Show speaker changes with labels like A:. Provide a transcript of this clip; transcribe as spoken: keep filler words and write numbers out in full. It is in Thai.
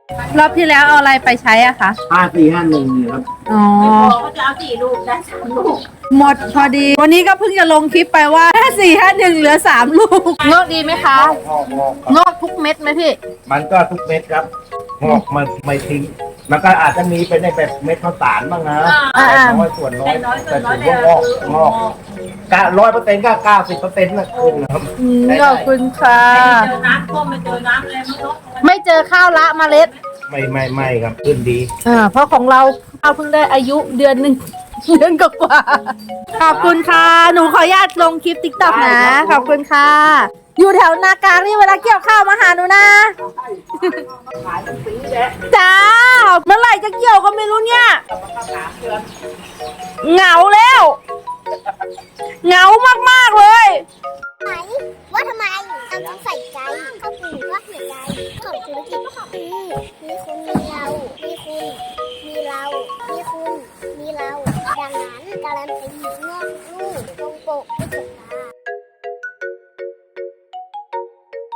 A: รอบที่แล้วเอาอะไรไปใช้อ่ะคะ
B: ห้าสี่ห้าหนึ่งนี่ครับ
A: อ๋อ
C: เขาจะเอาสี่ลูกได้สามลูก
A: หมดพอดี วันนี้ก็เพิ่งจะลงคลิปไปว่าห้าสี่ห้าหนึ่งเหลือสามลูกงอกดีไหมคะ
B: งอกงอกครับ
A: งอกทุกเม็ดไหมพี่
B: มันก็ทุกเม็ดครับงอกมันไม่ทิ้งมันก็อาจจะมีเป็นในแบบเม็ดข้าวสารบ้างนะแต่น้อยส่วนน้อยแต่ถือว่างอกงอกกะร้อยเปอร์เซ็นต์ก็เก้าสิบเปอร์เซ็นต์นะคุณครับ
A: อืมขอบคุณค่ะ
C: เจอน้ำท่วมไม่เจอน้ำอะไรไม่รู้
A: ไม่เจอข้าวละเมล็ด
B: ไม่ไม่ไม่ครับขึ้นดี
A: อ่าเพราะของเราข้าวเพิ่งได้อายุเดือนหนึ่ง เดือนกว่าๆขอบคุณค่ะ หนูขออนุญาตลงคลิปติ๊กต็อกนะ ขอบคุณค่ะ อยู่แถวนากลางนี่เวลาเกี่ยวข้าวมาหาหนูนะ จ้า เมื่อไหร่จะเกี่ยวก็ไม่รู้เนี่ย เหงาแล้ว เหงามากๆเลย
D: ไหมว่าทำไมเราต้องใส่ใจเขาปูว่าหัวใจของธุรกิจของมีมีคุณมีเรา มีคุณ มีเรา มีคุณ มีเรา ดังนั้นการันตีเมื่อ